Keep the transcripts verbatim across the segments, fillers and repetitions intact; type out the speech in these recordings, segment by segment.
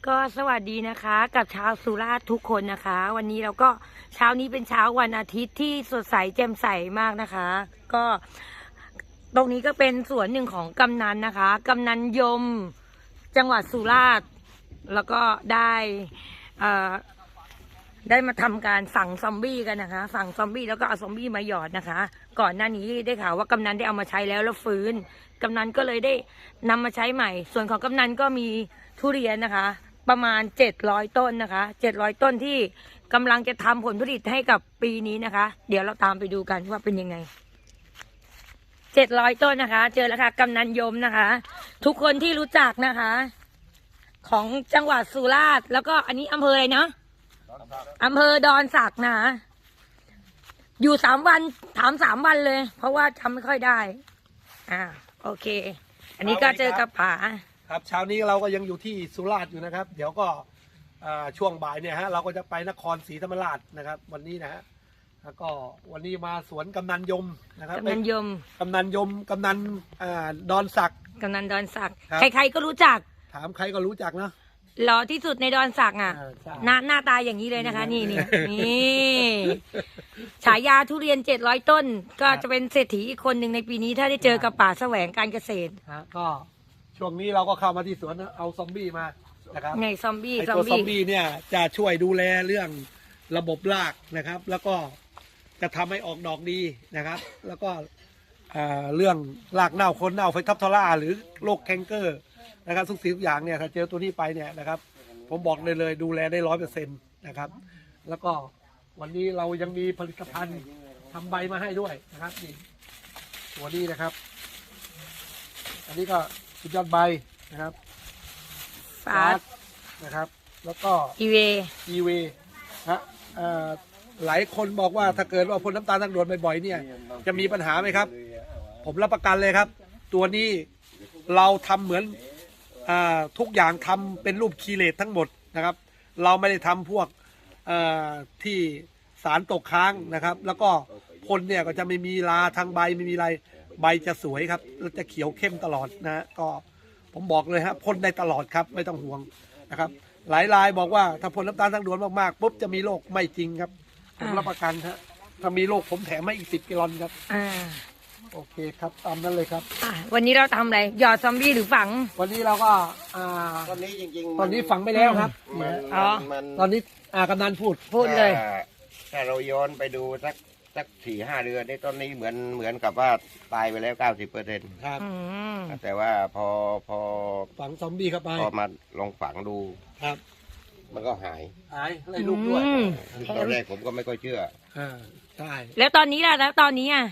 ก็สวัสดีนะคะกับชาวสุราษฎร์ทุกคนนะคะ วันนี้เราก็เช้านี้เป็นเช้าวันอาทิตย์ที่สดใสแจ่มใสมากนะคะ ก็ตรงนี้ก็เป็นส่วนหนึ่งของกำนันนะคะกำนันยมจังหวัดสุราษฎร์แล้วก็ได้เอ่อได้มาทำการสั่งซอมบี้กันนะคะสั่งซอมบี้แล้วก็เอาซอมบี้มาหยอดนะคะ ก่อนหน้านี้ได้ข่าวว่ากำนันได้เอามาใช้แล้วแล้วฟื้นกำนันก็เลยได้นำมาใช้ใหม่ ส่วนของกำนันก็มีทุเรียนนะคะประมาณเจ็ดร้อยต้นนะคะเจ็ดร้อยต้นที่กำลังจะทำผลผลิตให้กับปีนี้นะคะ เดี๋ยวเราตามไปดูกันว่าเป็นยังไงเจ็ดร้อยต้นนะคะเจอแล้วค่ะกำนันยมนะคะทุกคนที่รู้จักนะคะของจังหวัดสุราษฎร์แล้วก็อันนี้อำเภออะไรนะอำเภอดอนสักนะอยู่สามวันถามสามวันเลยเพราะว่าจำไม่ค่อยได้อ่าโอเคอันนี้ก็เจอกับป๋าครับเช้านี้เราก็ยังอยู่ที่สุราษฎร์อยู่นะครับเดี๋ยวก็ช่วงบ่ายเนี่ยฮะเราก็จะไปนครศรีธรรมราชนะครับวันนี้นะฮะแล้วก็วันนี้มาสวนกำนันยมนะครับกำนันยมกำนันยมกำนันดอนสักกำนันดอนสักใครๆก็รู้จักถามใครก็รู้จักนะหล่อที่สุดในดอนสักอ่ะหน้าหน้าตาอย่างนี้เลยนะคะนี่นี่นี่ฉายาทุเรียนเจ็ดร้อยต้นก็จะเป็นเศรษฐีอีกคนหนึ่งในปีนี้ถ้าได้เจอกับป่าแสวงการเกษตรก็ช่วงนี้เราก็เข้ามาที่สวนเอาซอมบี้มานะครับไงซอมบี้ไอตัวซอมบี้เนี่ยจะช่วยดูแลเรื่องระบบรากนะครับแล้วก็จะทำให้ออกดอกดีนะครับแล้วก็เรื่องรากเน่าคนเน่าไฟทับทอร่าหรือโรคแคนเกอร์นะครับทุกสิ่งทุกอย่างเนี่ยถ้าเจอตัวนี้ไปเนี่ยนะครับผมบอกเลยเลยดูแลได้ร้อยเปอร์เซ็นต์นะครับแล้วก็วันนี้เรายังมีผลิตภัณฑ์ทำใบมาให้ด้วยนะครับนี่ตัวนี้นะครับอันนี้ก็สุดยอดใบนะครับฟาสนะครับแล้วก็อีเวอีเวฮะหลายคนบอกว่าถ้าเกิดว่าพ่นน้ำตาลทางด่วนบ่อยๆเนี่ยจะมีปัญหาไหมครับผมรับประกันเลยครับตัวนี้เราทำเหมือนทุกอย่างทำเป็นรูปคีเลตทั้งหมดนะครับเราไม่ได้ทำพวกที่สารตกค้างนะครับแล้วก็พ่นเนี่ยก็จะไม่มีลาทางใบไม่มีอะไรใบจะสวยครับแล้วจะเขียวเข้มตลอดนะฮะก็ผมบอกเลยฮะพ่นได้ตลอดครับไม่ต้องห่วงนะครับหลายรายบอกว่าถ้าพ่นน้ำตาลทางด่วนมากๆปุ๊บจะมีโรคไม่จริงครับผมรับประกันฮะถ้ามีโรคผมแถมให้อีกสิบกิโลครับอ่าโอเคครับตามนั้นเลยครับวันนี้เราทำอะไรหยอดซอมบี้หรือฝังวันนี้เราก็อ่าตอนนี้จริงๆตอนนี้ฝังไปแล้วครับอ๋อตอนนี้อ่ากำนันพูดพูดเลยถ้าเราย้อนไปดูสักสักสี่ห้าเดือนในตอนนี้เหมือนเหมือนกับว่าตายไปแล้วเก้าสิบเปอร์เซ็นต์ครับแต่ว่าพอพอฝังซอมบี้เข้าไปพอมาลองฝังดูครับมันก็หายหายได้ลูกด้วยตอนแรกผมก็ไม่ค่อยเชื่ออ่าใช่แล้วตอนนี้ล่ะแล้วตอนนี้อ่ะ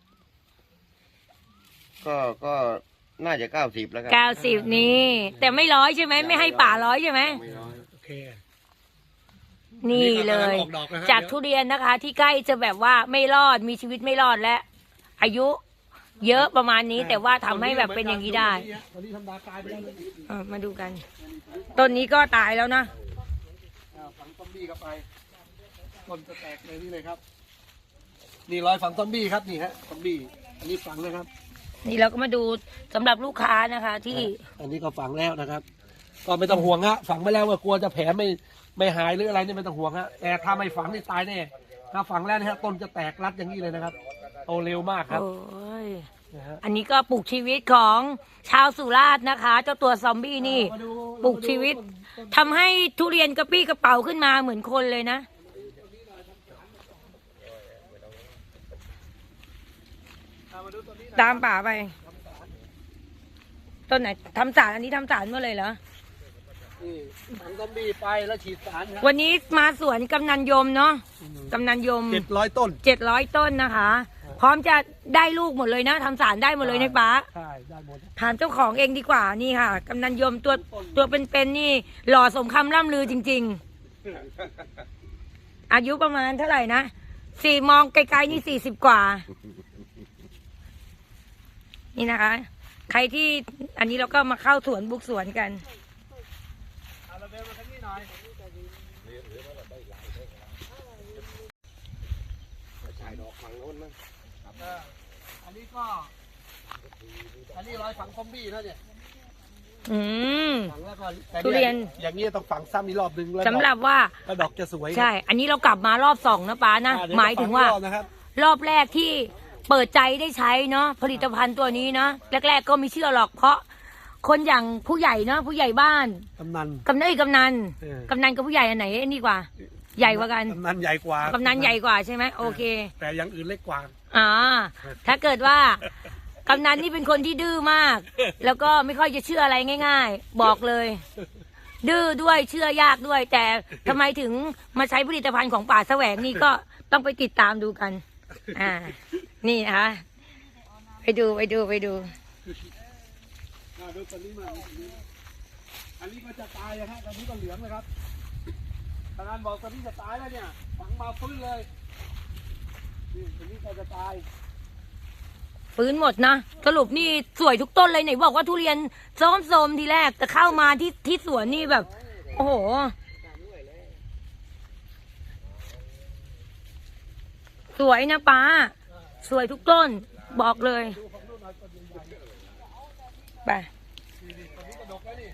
ก็ก็น่าจะเก้าสิบแล้วครับเก้าสิบนี่แต่ไม่ร้อยใช่ไหมไม่ให้ป่าร้อยใช่ไหมไม่ร้อยโอเคนี่เลยจากทุเรียนนะคะที่ใกล้จะแบบว่าไม่รอดมีชีวิตไม่รอดและอายุเยอะประมาณนี้แต่ว่าทำให้แบบเป็นอย่างนี้ได้มาดูกันต้นนี้ก็ตายแล้วนะฝังซอมบี้เข้าไปต้นจะแตกเลยนี่เลยครับนี่รอยฝังซอมบี้ครับนี่ฮะซอมบี้อันนี้ฝังนะครับนี่เราก็มาดูสำหรับลูกค้านะคะที่อันนี้ก็ฝังแล้วนะครับก็ไม่ต้องห่วงฮะฝังไปแล้วว่ากลัวจะแผลไม่ไม่หายหรืออะไรนี่ไม่ต้องห่วงฮะแต่ถ้าไม่ฝังนี่ตายแน่ถ้าฝังแล้วนะฮะต้นจะแตกรัดอย่างนี้เลยนะครับโตเร็วมากครับโอ้ยอันนี้ก็ปลูกชีวิตของชาวสุราษฎร์นะคะเจ้าตัวซอมบี้นี่ปลูกชีวิตทำให้ทุเรียนกระปี้กระเป๋าขึ้นมาเหมือนคนเลยนะตามป่าไปต้นไหนทำสารอันนี้ทำสารเมื่อเลยเหรอฝังซอมบี้ไปแล้วฉีดสารวันนี้มาสวนกำนันยมเนาะกำนันยมเจ็ดร้อยต้นเจ็ดร้อยต้นนะคะพร้อมจะได้ลูกหมดเลยนะทำสารได้หมดเลยในป่าใช่ได้หมดถามเจ้าของเองดีกว่านี่ค่ะกำนันยมตัวตัวเป็นๆนี่หล่อสมคำล่ำลือจริงๆอายุประมาณเท่าไหร่นะสี่มองไกลๆนี่สี่สิบกว่านี่นะคะใครที่อันนี้เราก็มาเข้าสวนบุกสวนกันอันนี้ก็อันนี้รอยฝังซอมบี้นะเนี่ยอืมฝังแล้วก็แต่ทุเรียนอย่างนี้ต้องฝังซ้ำอีกรอบหนึ่งแล้วสำหรับว่าแล้วดอกจะสวยใช่ อันนี้เรากลับมารอบสองนะป้านะอ่เดี๋หมายถึงว่าฝัรอบนะครับรอบแรกที่เปิดใจได้ใช้เนาะผลิตภัณฑ์ตัวนี้เนาะแรก ๆ ก็ไม่เชื่อหรอกเพราะคนอย่างผู้ใหญ่เนาะผู้ใหญ่บ้านกำนันกำนันกำนันเออกำนันกับผู้ใหญ่อันไหนนี่กว่า ใหญ่กว่ากันกำนันใหญ่กว่ากำนันใหญ่กว่าใช่ไหมโอเคแต่อย่างอื่นเล็กกว่าอ่าถ้าเกิดว่ากำนันนี่เป็นคนที่ดื้อมาก แล้วก็ไม่ค่อยจะเชื่ออะไรง่าย ๆ บอกเลย ดื้อด้วยเชื่อยากด้วย แต่ทำไมถึงมาใช้ผลิตภัณฑ์ของป่าแสวงนี่ก็ต้องไปติดตามดูกัน อ่า นี่นะคะไปดูไปดูไปดูอ่าดูตอนนี้มาอันนี้ก็จะตายนะฮะตอนนี้ก็เหลืองเลยครับทางานบอกตอนนี้จะตายแล้วเนี่ยฝังมาฟื้นเลยนี่ตอนนี้ก็จะตายฟื้นหมดนะสรุปนี่สวยทุกต้นเลยไหนบอกว่าทุเรียนส้มโซมทีแรกแต่เข้ามาที่ที่สวนนี่แบบ โอ้โห สวยนะป้า สวยทุกต้น บอกเลยไปนี่ตอนนี้ก็ดกแล้วนี่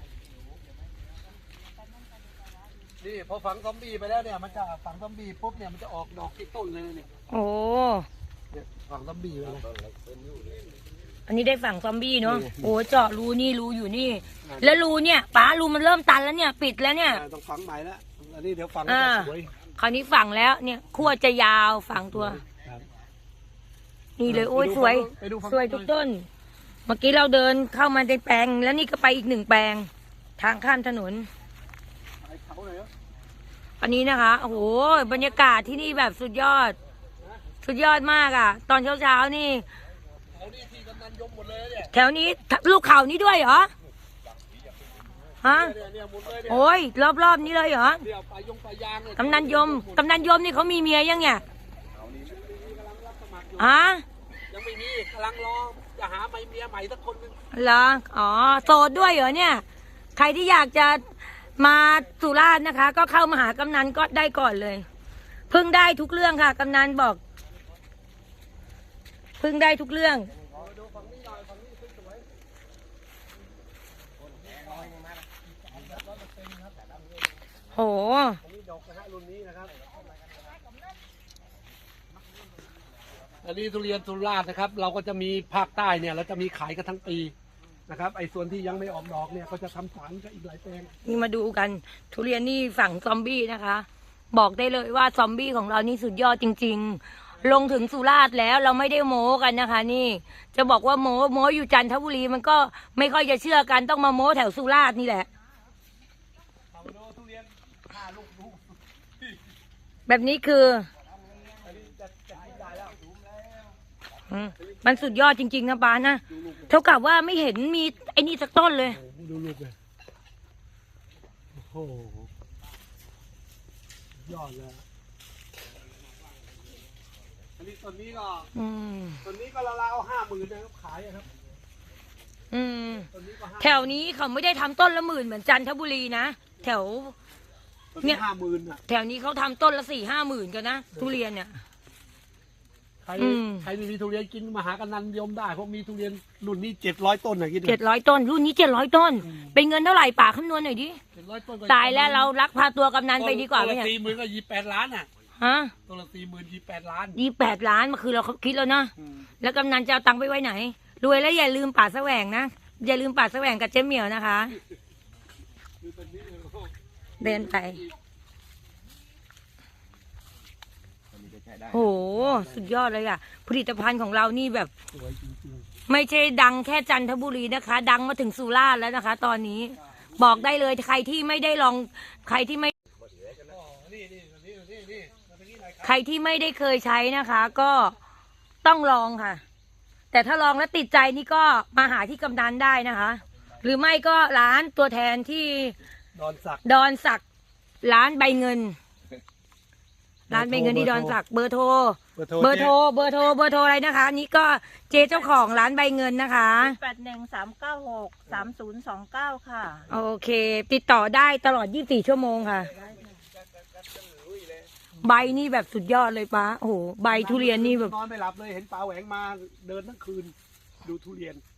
นี่พอฝังซอมบี้ไปแล้วเนี่ยมันจะฝังซอมบี้ปุ๊บเนี่ยมันจะออกดอกที่ต้นเลยเนี่ยโอ้เนี่ยฝังซอมบี้ไปเลยอันนี้ได้ฝั่งซอมบี้เนาะนี่โอ้เจาะรูนี่รูอยู่นี่ แล้วรูเนี่ยป้ารูมันเริ่มตันแล้วเนี่ย ปิดแล้วเนี่ยอ่าต้องฝังใหม่แล้วอันนี้เดี๋ยวฝังอ่าจะสวยคราวนี้ฝั่งแล้วเนี่ยขั้วจะยาวฝั่งตัวครับนี่เลยโอ้ยไปดูสวยไปดูฝั่งสวยทุกต้น เมื่อกี้เราเดินเข้ามาในแปลง แล้วนี่ก็ไปอีกหนึ่งแปลง ทางข้ามถนนไปเขาเลยเหรออันนี้นะคะ โอ้โห บรรยากาศที่นี่แบบสุดยอด สุดยอดมากอ่ะ ตอนเช้าเช้าๆนี่เขานี่ที่กำนันยมหมดเลยเนี่ยแถวนี้ลูกเขานี่ด้วยเหรอ ฮะเนี่ยเนี่ยหมดเลยเนี่ยโอ้ยรอบๆนี้เลยเหรอเดี๋ยวไปยงไปยางเนี่ยกำนันยม กำนันยมนี่เขามีเมียยังเนี่ยฮะยังไม่มีกำลังรอจะหาใหม่เมียใหม่สักคนหนึงเหรอ อ๋อ โสดด้วยเหรอเนี่ย ใครที่อยากจะมาสุราษฎร์นะคะ ก็เข้ามาหากำนันก็ได้ก่อนเลย พึ่งได้ทุกเรื่องค่ะ กำนันบอก พึ่งได้ทุกเรื่อง โหอันนี้ดอกนะฮะรุ่นนี้นะครับอันนี้ทุเรียนสุราษฎร์นะครับ เราก็จะมีภาคใต้เนี่ยเราจะมีขายกันทั้งปีนะครับ ไอ้ส่วนที่ยังไม่ออกดอกเนี่ยก็จะทำสารกับอีกหลายแปลงนี่มาดูกัน ทุเรียนนี่ฝั่งซอมบี้นะคะ บอกได้เลยว่าซอมบี้ของเรานี่สุดยอดจริง ๆ ลงถึงสุราษฎร์แล้วเราไม่ได้โม้กันนะคะ นี่ จะบอกว่าโม้โม้อยู่จันทบุรีมันก็ไม่ค่อยจะเชื่อกันต้องมาโม้แถวสุราษฎร์นี่แหละเอาดูทุเรียนห้าลูกลูกแบบนี้คืออันนี้จะจะกินได้แล้วสูงแล้วอืมมันสุดยอดจริง ๆ นะป้านะเท่ากับว่าไม่เห็นมีไอ้นี่สักต้นเลยโอ้โหดูลูกเลยโอ้โหยอดเลยอันนี้ต้นนี้ก็อืมต้นนี้ก็ราวๆห้าหมื่นนะครับขายอะครับอืมต้นนี้ก็ห้าแถวนี้เขาไม่ได้ทำต้นละหมื่นเหมือนจันทบุรีนะแถวต้นเนี่นี้ยห้าหมื่นอ่ะแถวนี้เขาทำต้นละสี่ห้าหมื่นกันนะทุเรียนเนี่ยใครอืมใครไม่มีทุเรียนกินมาหากันนันยมได้เพราะมีทุเรียนรุ่นนี้เจ็ดร้อยต้นน่ะคิดดูเจ็ดร้อยต้น รุ่นนี้เจ็ดร้อยต้น เป็นเงินเท่าไหร่ป่าคำนวณหน่อยดิเจ็ดร้อยต้นก็ตายแล้วเรารักพาตัวกำนันไปดีกว่าไหมต้นเนี่ละยสี่หมื่นก็ยี่แปดล้านอ่ะฮะต้นละสี่หมื่นยี่แปดล้านยี่แปดล้านมาคือเราคิดแล้วนะอืมแล้วกำนันจะเอาตังค์ไปไว้ไหน รวยแล้วอย่าลืมป่าแสวงนะ อย่าลืมป่าแสวงกับเจ๊เหมียวนะคะดูต้นนี้เลยโอ้โหเดินไปอันนี้ก็ใช้ได้โห สุดยอดเลยอ่ะ ผลิตภัณฑ์ของเรานี่แบบสวยจริงไม่ใช่ดังแค่จันทบุรีนะคะ ดังมาถึงสุราษฎร์แล้วนะคะ ตอนนี้ บอกได้เลยใครที่ไม่ได้ลอง ใครที่ไม่ๆอ๋อนี่นี่นี่นี่นี่มาตรงนี้หน่อยครับใครที่ไม่ได้เคยใช้นะคะ ก็ต้องลองค่ะ แต่ถ้าลองแล้วติดใจนี่ก็มาหาที่กำนันได้นะคะ หรือไม่ก็ร้านตัวแทนที่ดอนสักดอนศักดิ์ร้านใบเงิน ร้านใบเงินที่ดอนศักดิ์เบอร์โทรเบอร์โทรเบอร์โทรเบอร์โทรเบอร์โทรอะไรนะคะอันนี่ก็เจ๊เจ้าของร้านใบเงินนะคะแปดหนึ่งสามเก้าหกสามศูนย์สองเก้าค่ะโอเค ติดต่อได้ตลอดยี่สิบสี่ชั่วโมงค่ะ ใบนี่แบบสุดยอดเลยป้าโอ้โหใบทุเรียนนี่แบบนอนไม่หลับเลยเห็นปลาแหวงมาเดินทั้งคืน ดูทุเรียน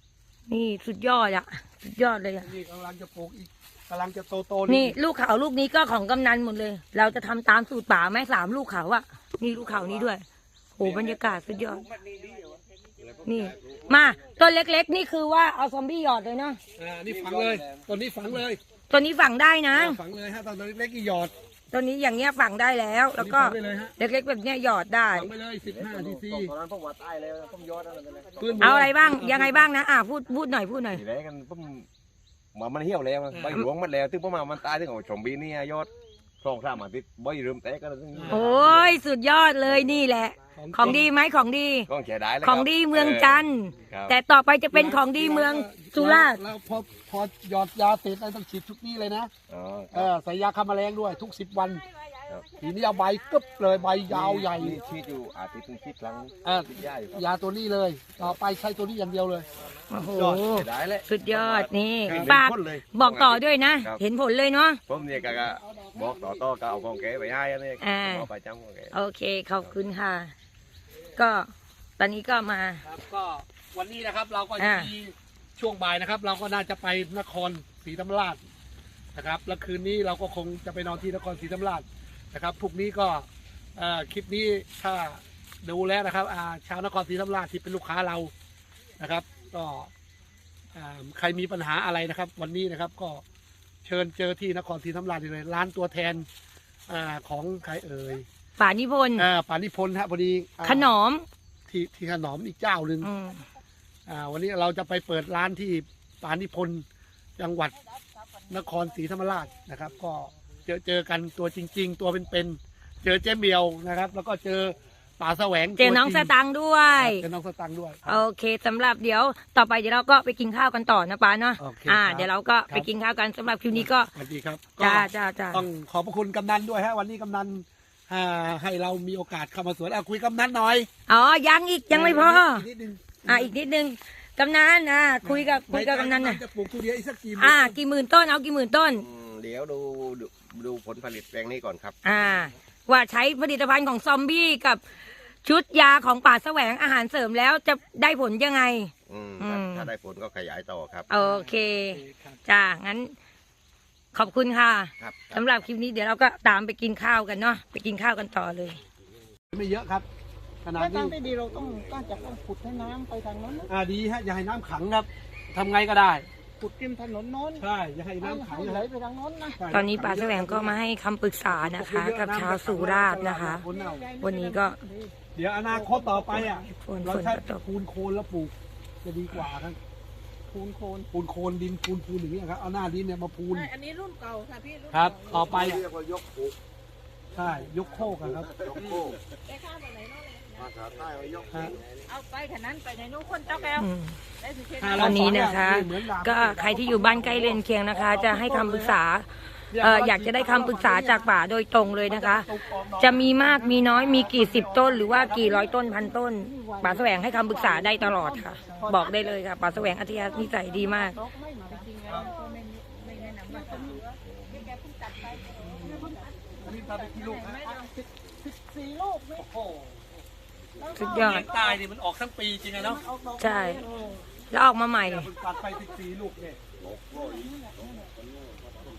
นี่สุดยอดอะสุดยอดเลยอะนี่กำลังจะปลูกอีกกำลังจะโตโตนี่ลูกเขาลูกนี้ก็ของกำนันหมดเลย เราจะทำตามสูตรป่าไหมสามลูกเขาอะนี่ลูกเขานี้ด้วยโอ้บรรยากาศสุดยอดนี่มาต้นเล็กๆ นี่คือว่าเอาซอมบี้หยอดเลยเนาะอ่านี่ฝังเลยต้นนี้ฝังเลยตัวนี้ฝังได้นะอ่าฝังเลยฮะตอนเล็กๆนี่หยอดตัวนี้อย่างเงี้ยฝังได้แล้ว แล้วก็ฝังไปเลยฮะเล็กๆแบบเนี้ยหยอดได้ฝังไปเลยสิบห้าซีซีตอนนั้นผมว่าตายแล้วผมยอดอะไรไปเลยปืนเอาอะไรบ้างยังไงบ้างนะอ่ะพูดพูดหน่อยพูดหน่อยทีแรกกันผมมามันเหี่ยวแล้วใบหลวงมันแล้วถึงประมาณมันตายถึงเอาชมบีนี่ยอดสองสามอาทิตย์ใบเริ่มแตกกันแล้วถึงโอ้ยสุดยอดเลยนี่แหละ ของดีไหมของดีก็เสียดายแล้วของดีเมืองจันทร์ครับแต่ต่อไปจะเป็นของดีเมืองสุราษฎร์แล้วพอพอหยอดยาเสร็จแล้วต้องฉีดทุกนี้เลยนะอ๋อเออใส่ยาฆ่าแมลงด้วยทุกสิบวันครับทีนี้เอาใบกึบเลยใบยาวใหญ่นี่ชีดอยู่อาทิตย์ถึงชีดครั้งเออชีดยาอยู่ครับยาตัวนี้เลย ต่อไปใช้ตัวนี้อย่างเดียวเลยโอ้โหเสียดายเลยสุดยอดนี่ครับฝากเห็นผลเลยบอกต่อด้วยนะครับเห็นผลเลยเนาะผมเนี่ยก็ก็บอกต่อต่อก็เอาของแกไปให้อันนี้อ่าเอาไปจำของแกโอเคขอบคุณค่ะ ก็ตอนนี้ก็มาครับก็วันนี้นะครับเราก็อ่ามีช่วงบ่ายนะครับ เราก็น่าจะไปนครศรีธรรมราชนะครับแล้วคืนนี้เราก็คงจะไปนอนที่นครศรีธรรมราชนะครับพรุ่งนี้ก็เอ่อคลิปนี้ถ้าดูแล้วนะครับอ่าชาวนครศรีธรรมราชที่เป็นลูกค้าเรานะครับ ก็อ่าใครมีปัญหาอะไรนะครับ วันนี้นะครับก็เชิญเจอที่นครศรีธรรมราชได้เลยร้านตัวแทนอาของใครเอ่ยป่านิพนธ์อ่าปานิพนธ์ฮะพอดีอ่าขนมที่ที่ขนมอีกเจ้าหนึ่งอืมอ่าวันนี้เราจะไปเปิดร้านที่ปานิพนธ์จังหวัดนครศรีธรรมราชนะครับ ก็เจอเจอกันตัวจริง ๆ ตัวเป็นๆเจอเจ๊เมียวนะครับ แล้วก็เจอป่าแสวงเจอน้องตัวสจริตังค์ด้วยเจอน้องสตังค์ด้วยโอเคสำหรับเดี๋ยวต่อไปเดี๋ยวเราก็ไปกินข้าวกันต่อนะป้าเนาะโอเคอ่าครับเดี๋ยวเราก็ไปกินข้าวกันสำหรับคลิปนี้ก็สวัสดีครับจ้าก็จ้าจ้าต้องขอบพระคุณกำนันด้วยฮะวันนี้กำนันอ่าให้เรามีโอกาสเข้ามาสวนอ่ะคุยกำนันหน่อยอ๋อยังอีกยังไม่พออีกนิดนึงอ่าอีกนิดนึงกำนันอ่าคุยกับคุยกับกำนันน่ะจะปลูกทุเรียนอีกสักกี่อ่ากี่หมื่นต้นเอากี่หมื่นต้นอืมเดี๋ยวดูดูดูผลผลิตแปลงนี้ก่อนครับอ่า ว่าใช้ผลิตภัณฑ์ของซอมบี้กับชุดยาของป่าแสวงอาหารเสริมแล้วจะได้ผลยังไงอืมอืมถ้าได้ผลก็ขยายต่อครับโอเคจ้างั้น ขอบคุณค่ะครับสำหรับคลิปนี้เดี๋ยวเราก็ตามไปกินข้าวกันเนาะไปกินข้าวกันต่อเลยไม่เยอะครับขนาดถ้านี้ทางที่ดีเราต้องก็จะต้องขุดให้น้ำไปทางโน้นนะอ่าดีฮะอย่าให้น้ำขังครับทำไงก็ได้ขุดริมถนนโน้นใช่อย่าให้น้ำขังให้นะไหลครับไปทางโน้นนะใช่ตอนนี้ป่าแสวงก็มาให้คำปรึกษานะคะ กับชาวสุราษฎร์นะคะ วันนี้ก็เดี๋ยวอนาคตต่อไปอ่ะฝนเราฝนใช้ก็ตกปูนโคลนแล้วปลูกจะดีกว่าครับคูณโคนปูนโคลนดินปูนปูนอย่างนี้ยครับเอาหน้าดินเนี่ยมาปูนอันนี้รุ่นเก่าค่ะพี่รุ่นครับ ต่อไปอะเรียกว่ายกปลูกใช่ยกโคกอะครับยกโคกได้ข้าวมาไหนโน้นเลยภาษาใต้ว่ายกฮะเอาไปขนาดนั้นไปในนู้นคนเจ้าแก้วอืมได้สุเทพถ้าตเราอนนี้นะคะเหมือนดาบก็ใครที่อยู่บ้านใกล้เรือนเคียงนะคะ จะให้คำปรึกษาเอ่ออยากจะได้คำปรึกษาจากป่าโดยตรงเลยนะคะ จะมีมากมีน้อยมีกี่สิบต้น หรือว่ากี่ร้อยต้นพันต้นป่าแสวงให้คำปรึกษาได้ตลอดค่ะ บอกได้เลยค่ะป่าแสวงอัธยานิสัยดีมากไม่มาจริงๆแล้วก็ไม่ไม่แนะนำว่าจะเหลือพี่แกเพิ่งตัดไปนี่ตาเป็นกี่ลูกฮะไม่เอาสิบสิบสี่ลูกนี่โอ้โหสุดยอดเลี้ยงตายนี่มันออกทั้งปีจริงไงเนาะใช่ แล้วออกมาใหม่เนี่ยมันตัดไปสิบสี่ลูกเนี่ยโอ้โห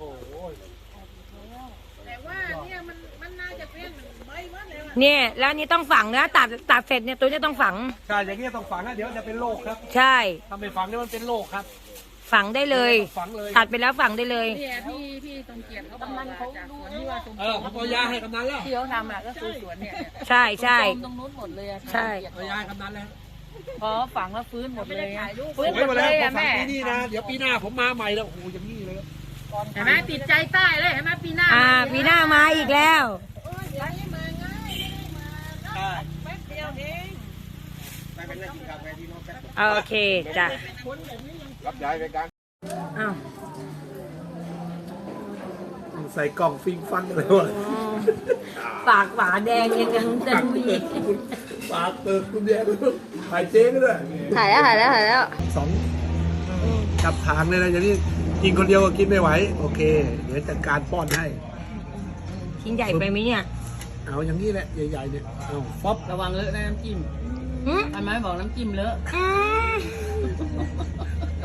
แต่ว่าเนี่ยมันมันน่าจะเป็นเหมือนใบมันเลยว่ะเนี่ยแล้วอันนี่ต้องฝังนะตัดตัดเสร็จเนี่ยตัวเนี้ต้องฝังใช่อย่างนี้ยต้องฝังนะเดี๋ยวจะเป็นโรคครับใช่ถ้าไม่ฝังเนี่ยมันเป็นโรคครับฝังได้เลยฝังเลยตัดไปแล้วฝังได้เลยเนี่ยพี่พี่ตรงเกียรติเขาบอกว่าจากสวนที่ว่าตรงเออผมเอายาให้กำนันแล้วที่เขาทำอ่ะก็คือสวนเนี่ยใช่ใช่ตรงนู้นหมดเลยอะใช่เอายาให้กำนันแล้วพอฝังแล้วฟื้นหมดเลยอะสวยหมดแล้วผมฝังปีนี้นะเดี๋ยวปีหน้าผมมาใหม่แล้วโอ้โหอย่างนี้เลยเห็นไหมติดใจใต้เลยเห็นไหมปีหน้าอ่าปีหน้ามาอีกแล้วใช่แป๊บเดียวเองไปเป็นนักกินกาแฟที่น้องแป๊บโอเคจ้ะรับย้ายไปกลางอ้าวใส่กล่องฟิงฟังเลยวะปากหวาแดงยังยังจะมีปากเปิดคุณแย่ถ่ายเจ๊ก็ด้วยถ่ายแล้วถ่ายแล้วถ่ายแล้วสองจับทางเลยนะอย่างนี้กินคนเดียวก็กินไม่ไหวโอเค เดี๋ยวจัดการป้อนให้ชิ้นใหญ่ไปไหมเนี่ยเอาอย่างนี้แหละใหญ่ๆเนี่ยเอาฟอบระวังเลอะนะน้ำจิ้มอืมทำไมบอกน้ำจิ้มเลอะอืม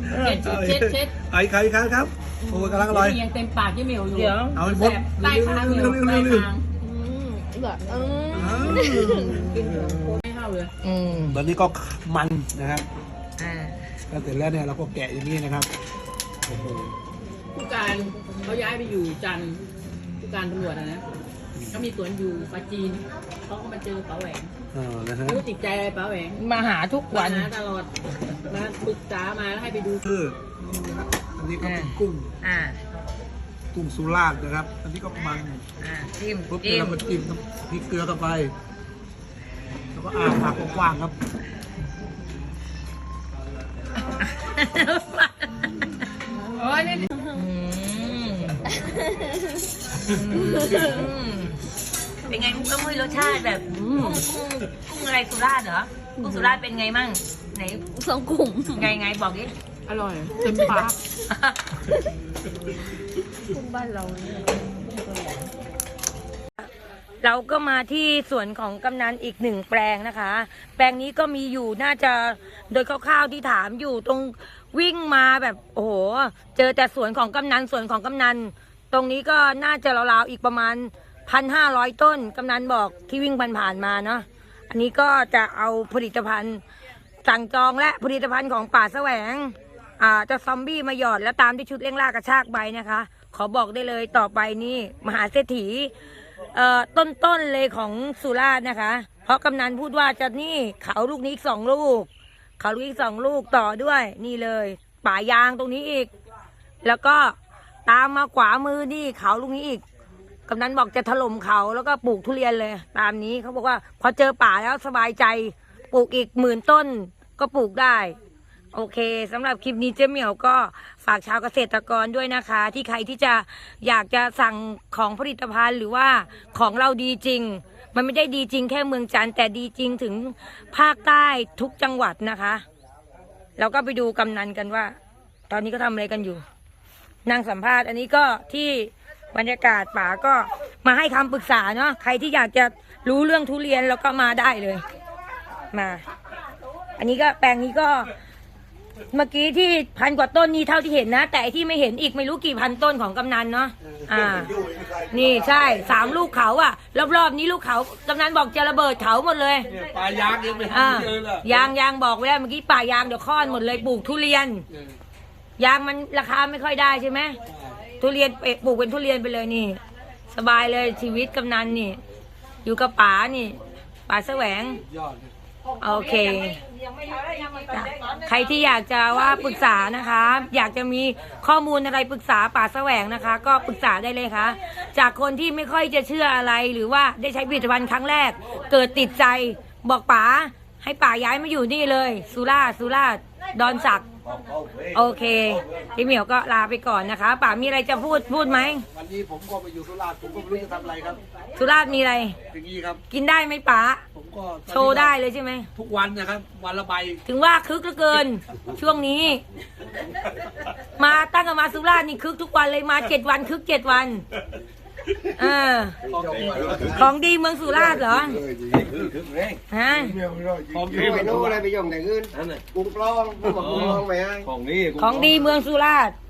เช็ดเช็ดเช็ดไอ้ใครครับครับโอ้ยกำลังอร่อยยังเต็มปากยี่เหมียวอยู่เดี๋ยวเอาให้หมดใต้คางเหมียวใต้คางแบบเอออ้าวกินไม่เข้าเลยอืมตอนนี้ก็มันนะครับอ่าแล้วเสร็จแล้วเนี่ยเราก็แกะอย่างนี้นะครับโอ้โหผู้การเขาย้ายไปอยู่จันทร์ผู้การตำรวจอะนะก็มีสวนอยู่ปราจีนเขาก็มาเจอป๋าแหวงเออนะฮะไม่รู้ติดใจอะไรป๋าแหวงมาหาทุกวัวัน นนะตลอดมาปรึกษามาแล้วให้ไปดูคืออันนี้ก็เป็นกุ้งอ่ากุ้งสุราษฎร์นะครับ อันนี้ก็มันอ่าจิ้มปุ๊บจิ้มเรามาจิ้มน้ำพริกเกลือเข้าไปแล้วก็อาปากกว้างๆครับโอ้ยนี่อืมเป็นไงมุกมุ้ยรสชาติแบบอืมกุ้งกุ้งอะไรสุราษฎร์เหรอกุ้งสุราษฎร์เป็นไงมั่งไหนสองกลุ่มไงไงบอกดิอร่อยเต็มปากกลุ่มบ้านเราเนี่ยเราก็มาที่สวนของกำนันอีกหนึ่งแปลงนะคะ แปลงนี้ก็มีอยู่น่าจะโดยคร่าวๆที่ถามอยู่ตรงวิ่งมาแบบโอ้โหเจอแต่สวนของกำนันสวนของกำนัน ตรงนี้ก็น่าจะราวๆอีกประมาณพันห้าร้อยต้นกำนันบอกที่วิ่งผ่านๆมาเนาะอันนี้ก็จะเอาผลิตภัณฑ์สั่งจองและผลิตภัณฑ์ของป่าแสวงอ่าจะซอมบี้มาหยอดแล้วตามที่ชุดเร่งล่ากระชากใบนะคะ ขอบอกได้เลยต่อไปนี่มหาเศรษฐีเอ่อต้นๆเลยของสุราษฎร์นะคะ เพราะกำนันพูดว่าจะนี่เขาลูกนี้อีกสองลูก เขาลูกอีกสองลูกต่อด้วยนี่เลย ป่ายางตรงนี้อีก แล้วก็ตามมาขวามือนี่เขาลูกนี้อีกกำนันบอกจะถล่มเขาแล้วก็ปลูกทุเรียนเลย ตามนี้เขาบอกว่าพอเจอป่าแล้วสบายใจปลูกอีกหมื่นต้นก็ปลูกได้ โอเคสำหรับคลิปนี้เจ๊เหมียวก็ฝากชาวเกษตรกรด้วยนะคะ ที่ใครที่จะอยากจะสั่งของผลิตภัณฑ์หรือว่าของเราดีจริง มันไม่ได้ดีจริงแค่เมืองจันทร์แต่ดีจริงถึงภาคใต้ทุกจังหวัดนะคะแล้วก็ไปดูกำนันกันว่า ตอนนี้ก็ทำอะไรกันอยู่นั่งสัมภาษณ์อันนี้ก็ที่บรรยากาศป่าก็มาให้คำปรึกษาเนาะใครที่อยากจะรู้เรื่องทุเรียนแล้วก็มาได้เลยมา อันนี้ก็แปลงนี้ก็เมื่อกี้ที่พันกว่าต้นนี้เท่าที่เห็นนะแต่ไอ้ที่ไม่เห็นอีกไม่รู้กี่พันต้นของกำนันเนาะอ่า นี่ใช่สามลูกเขาอะรอบๆนี้ลูกเขากำนันบอกจะระเบิดเขาหมดเลยเนี่ยปลายางยังไม่อ่าทำเลยล่ะยางยางบอกไว้แล้วเมื่อกี้ป่ายางเดี๋ยวค้อนหมดเลยปลูกทุเรียน ยางมันราคาไม่ค่อยได้ใช่ไหมทุเรียนปลูกเป็นทุเรียนไปเลยนี่ สบายเลยชีวิตกำนันนี่ อยู่กับป๋านี่ป๋าแสวงยอดเลยโอเคจ้ะใครที่อยากจะว่าปรึกษานะคะ อยากจะมีข้อมูลอะไรปรึกษาป่าแสวงนะคะ ก็ปรึกษาได้เลยค่ะ จากคนที่ไม่ค่อยจะเชื่ออะไรหรือว่าได้ใช้ผลิตภัณฑ์ครั้งแรก เกิดติดใจบอกป๋าให้ป๋าย้ายมาอยู่นี่เลยสุราษฎร์สุราษฎร์ดอนสักโอเคพี่เหมียวก็ลาไปก่อนนะคะป๋ามีอะไรจะพูดพูดไหมวันนี้ผมก็ไปอยู่สุราษฎร์ผมก็ไม่รู้จะทำอะไรครับสุราษฎร์มีอะไรอย่างนี้ครับกินได้ไหมป๋าผมก็โชว์ได้เลยใช่ไหมทุกวันนะครับ วันละใบถึงว่าคึกเหลือเกิน ช่วงนี้ มาตั้งแต่มาสุราษฎร์นี่คึกทุกวันเลยมาเจ็ดวันคึกเจ็ดวันเออของดีเมืองสุราษฎร์เหรอฮะของคือไปโน่นอะไรไปย่องแต่เงินกุ้งปลองกุ้งบอกกุ้งปลองไปให้ของนี้ของดีเมืองสุราษฎร์